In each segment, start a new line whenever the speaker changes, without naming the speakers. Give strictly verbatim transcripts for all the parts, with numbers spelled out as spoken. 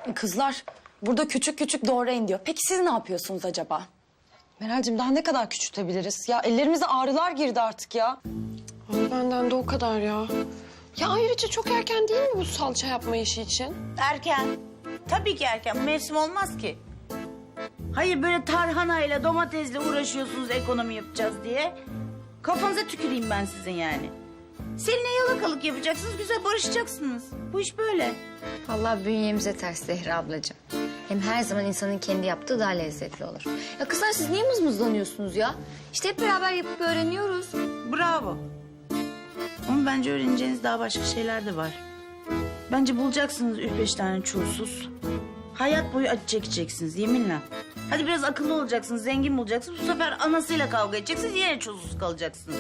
Kızlar burada küçük küçük doğrayın diyor. Peki siz ne yapıyorsunuz acaba?
Meral'cim daha ne kadar küçültebiliriz? Ya ellerimize ağrılar girdi artık ya.
Ay, benden de o kadar ya. Ya ayrıca çok erken değil mi bu salça yapma işi için?
Erken. Tabii ki erken. Mevsim olmaz ki. Hayır böyle tarhanayla domatesle uğraşıyorsunuz ekonomi yapacağız diye. Kafanıza tüküreyim ben sizin yani. Seninle yalakalık yapacaksınız, güzel barışacaksınız. Bu iş böyle.
Vallahi bünyemize ters Zehra ablacığım. Hem her zaman insanın kendi yaptığı daha lezzetli olur. Ya kızlar siz niye mızmızlanıyorsunuz ya? İşte hep beraber yapıp öğreniyoruz.
Bravo. Ama bence öğreneceğiniz daha başka şeyler de var. Bence bulacaksınız üç beş tane çulsuz. Hayat boyu acı çekeceksiniz yeminle. Hadi biraz akıllı olacaksınız, zengin bulacaksınız. Bu sefer anasıyla kavga edeceksiniz, yine çulsuz kalacaksınız.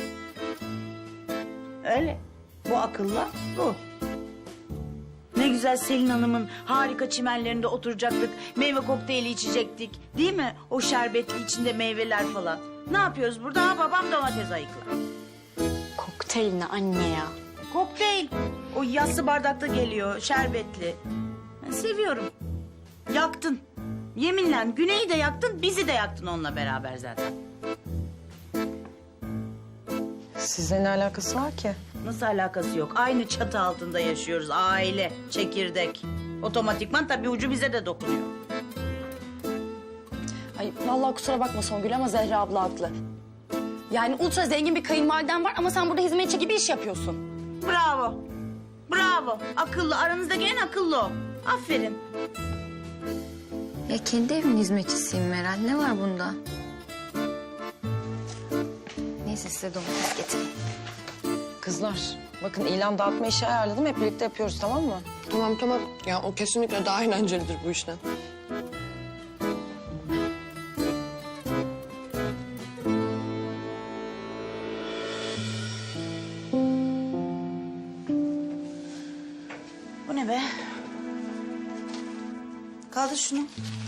Öyle. Bu akılla bu. Ne güzel Selin Hanım'ın harika çimenlerinde oturacaktık. Meyve kokteyli içecektik. Değil mi? O şerbetli içinde meyveler falan. Ne yapıyoruz burada? Ha, babam domates ayıklar.
Kokteyl ne anne ya?
Kokteyl. O yassı bardakta geliyor, şerbetli. Ben seviyorum. Yaktın. Yeminle Güney'i de yaktın, bizi de yaktın onunla beraber zaten.
Sizle ne alakası var ki?
Nasıl alakası yok? Aynı çatı altında yaşıyoruz. Aile, çekirdek. Otomatikman tabii ucu bize de dokunuyor.
Ay vallahi kusura bakma Songül ama Zehra abla haklı. Yani ultra zengin bir kayınvaliden var ama sen burada hizmetçi gibi iş yapıyorsun.
Bravo. Bravo. Akıllı. Aranızdaki en akıllı o. Aferin.
Ya kendi evimin hizmetçisiyim Meral. Ne var bunda? Neyse size domates getireyim.
Kızlar bakın ilan dağıtma işi ayarladım. Hep birlikte yapıyoruz tamam mı?
Tamam tamam. Ya o kesinlikle daha eğlencelidir bu işten.
Bu ne be? Kaldır şunu.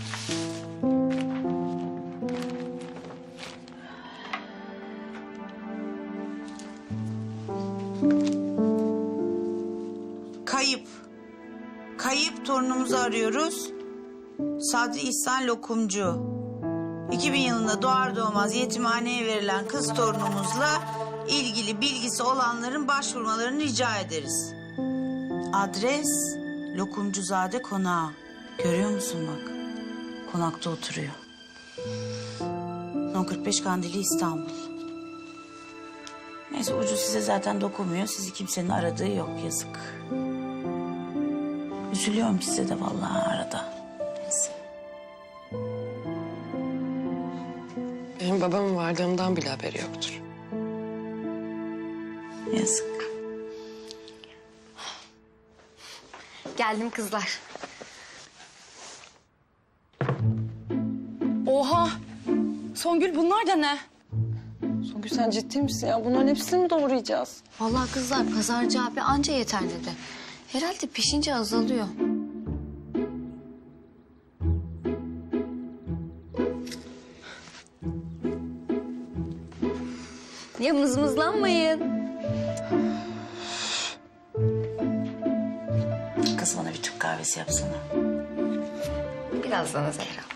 Kayıp. Kayıp torunumuzu arıyoruz. Sadri İhsan Lokumcu. iki bin yılında doğar doğmaz yetimhaneye verilen kız torunumuzla ilgili bilgisi olanların başvurmalarını rica ederiz. Adres Lokumcuzade Konağı. Görüyor musun bak? Konakta oturuyor. No kırk beş Kandili İstanbul. Neyse ucu size zaten dokunmuyor. Sizi kimsenin aradığı yok yazık. Üzülüyorum size de vallahi arada. Neyse.
Benim babamın vardığımdan bile haberi yoktur.
Yazık.
Geldim kızlar.
Oha! Songül bunlar da ne?
Songül sen ciddi misin ya? Bunların hepsini mi doğrayacağız?
Vallahi kızlar pazarcı abi anca yeter dedi. Herhalde pişince azalıyor. Ya mızmızlanmayın.
Kız bana bir Türk kahvesi yapsana.
Birazdan Zehra.